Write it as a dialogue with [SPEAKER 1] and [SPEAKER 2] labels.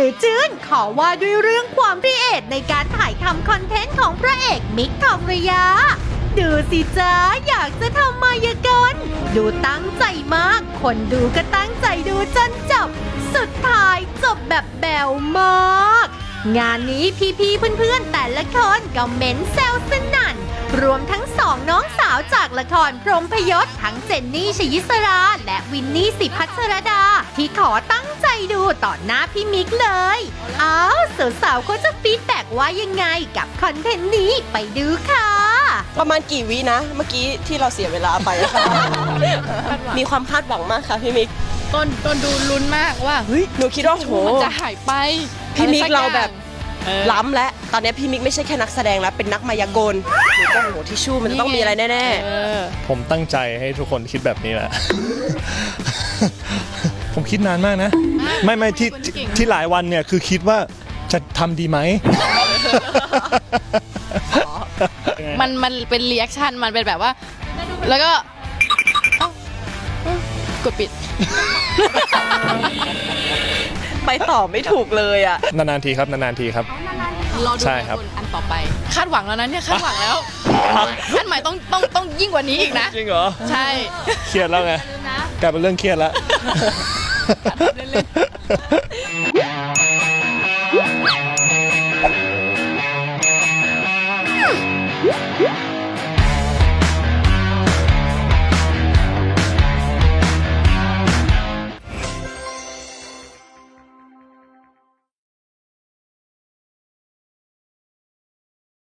[SPEAKER 1] รือจื้นขอว่าด้วยเรื่องความครีเอทในการถ่ายทำคอนเทนต์ของพระเอกมิกทองระยะดูสิจ้าอยากจะทำมายากลดูตั้งใจมากคนดูก็ตั้งใจดูจนจบสุดท้ายจบแบบแบวมากงานนี้พี่ๆเพื่อนๆแต่ละคนก็เม้นแซวสนั่นรวมทั้งสองน้องสาวจากละครพรหมพยศทั้งเจนนี่ชยิสราและวินนี่สิพัชรดาที่ขอตั้งใจดูต่อหน้าพี่มิกเลยอ้าวสาวๆเขาจะฟีดแบ็กว่ายังไงกับคอนเทนต์นี้ไปดูค่ะ
[SPEAKER 2] ประมาณกี่วินะเมื่อกี้ที่เราเสียเวลาไปค่ะ มีความคาดหวังมากค่ะพี่มิก
[SPEAKER 3] ต้นดูลุ้นมากว่าเฮ้ย
[SPEAKER 2] หนูคิดว่าโห
[SPEAKER 3] มันจะหายไป
[SPEAKER 2] พี่มิกเราแบบ
[SPEAKER 3] ล้ำ
[SPEAKER 2] ล้ำและตอนนี้พี่มิกไม่ใช่แค่นักแสดงแล้วเป็นนักมายากลหนูก็โหทิชชู่มันจะต้องมีอะไรแน่ๆ
[SPEAKER 4] ผมตั้งใจให้ทุกคนคิดแบบนี้แหละ ผมคิดนานมากนะ ไม่ที่หลายวันเนี่ยคือคิดว่าจะทำดีไหม
[SPEAKER 3] มันเป็นรีแอคชั่นมันเป็นแบบว่า แล้วก็เอ้ากดปิด
[SPEAKER 2] ไปต่อไม่ถูกเลยอ่ะ
[SPEAKER 4] นานๆทีครับนานๆทีครับ
[SPEAKER 3] รอดู
[SPEAKER 4] ใช่ครับ
[SPEAKER 3] อันต่อไป คาดหวังแล้วนะเนี่ยคาดหวังแล้วอันใหม่ต้องยิ่งกว่านี้อีกนะ
[SPEAKER 4] จริงเหรอ
[SPEAKER 3] ใช่
[SPEAKER 4] เครียดแล้วไงกลายเป็นเรื่องเครียดแล้ว